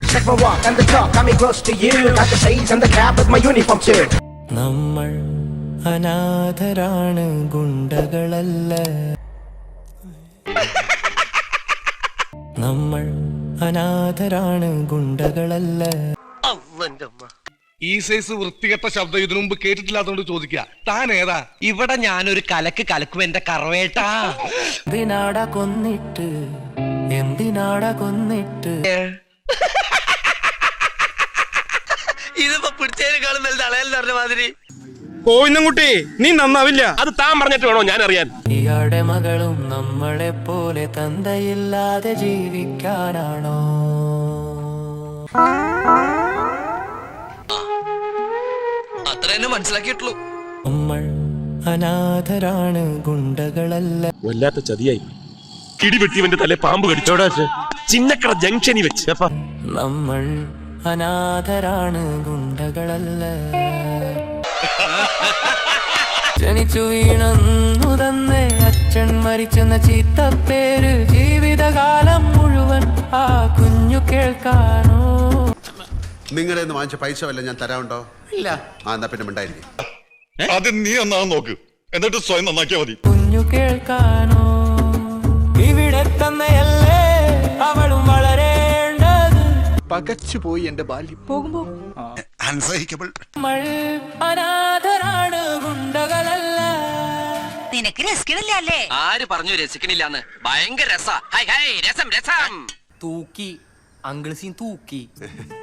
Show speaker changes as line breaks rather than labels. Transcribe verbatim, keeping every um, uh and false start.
Check my walk and the talk, got me close to you. Got the shades and the cap with my uniform too.
നമ്മൾ അനാഥരാണ് ഗുണ്ടകളല്ല നമ്മൾ അനാഥരാണ് ഗുണ്ടകളല്ല
ഈ size വൃത്തികെട്ട ശബ്ദം ഇതിനു മുമ്പ് കേട്ടിട്ടില്ലാത്തോണ്ട് ചോദിക്കുക താൻ ഏതാ?
ഇവിടെ ഞാനൊരു കലക്ക് കലക്കും എന്റെ കറവേട്ടാ.
എന്തിനാടാ കൊന്നിട്ട് എന്തിനാടാ കൊന്നിട്ട്
ഇതിപ്പോ പിടിച്ചതിനേക്കാളും വലുത് അളയല്ല പറഞ്ഞ മാതിരി.
കോയിന്നുംകുട്ടി നീ നന്നാവില്ല. അത് താൻ പറഞ്ഞിട്ട് വേണോ ഞാൻ അറിയാൻ.
ഇയാളുടെ മകളും നമ്മളെ പോലെ തന്തയില്ലാതെ ജീവിക്കാനാണോ?
അത്ര തന്നെ മനസ്സിലാക്കിയിട്ടുള്ളൂ.
നമ്മൾ അനാഥരാണ് ഗുണ്ടകളല്ല.
വല്ലാത്ത ചതിയായി. ഇടിവെട്ടിവന്റെ തല പാമ്പ് കടിച്ചോടാ ചിന്നക്കട ജംഗ്ഷനിൽ വെച്ച്.
നമ്മൾ അനാഥരാണ് ഗുണ്ടകളല്ല. ജനിച്ചു വീണു തന്നെ അച്ഛൻ മരിച്ചെന്ന ചീത്തപ്പേര് ജീവിതകാലം മുഴുവൻ ആ കുഞ്ഞു കേൾക്കാനോ?
നിങ്ങളുടെ വാങ്ങിച്ച പൈസ വല്ല ഞാൻ തരാറുണ്ടോ? ഇല്ല. ആ എന്നാ പിന്നെ മിണ്ടായിരിക്കും.
ആദ്യം നീ ഒന്നാ നോക്ക്, എന്നിട്ട് സ്വയം നന്നാക്കിയാ മതി.
കുഞ്ഞു കേൾക്കാനോ? ഇവിടെ തന്നെയല്ലേ അവളും വളരേണ്ടത്.
പകച്ചുപോയി എന്റെ ബാല്യം. പോകുമ്പോ
അൺസഹിക്കബിൾ.
നമ്മൾ അനാഥരാണ് ഗുണ്ടകളല്ല.
നിനക്ക് രസിക്കണില്ലേ?
ആര് പറഞ്ഞു രസിക്കണില്ലാന്ന്? ഭയങ്കര രസാ. ഹൈ ഹൈ രസം രസം.
തൂക്കി അങ്കിൾ സീൻ തൂക്കി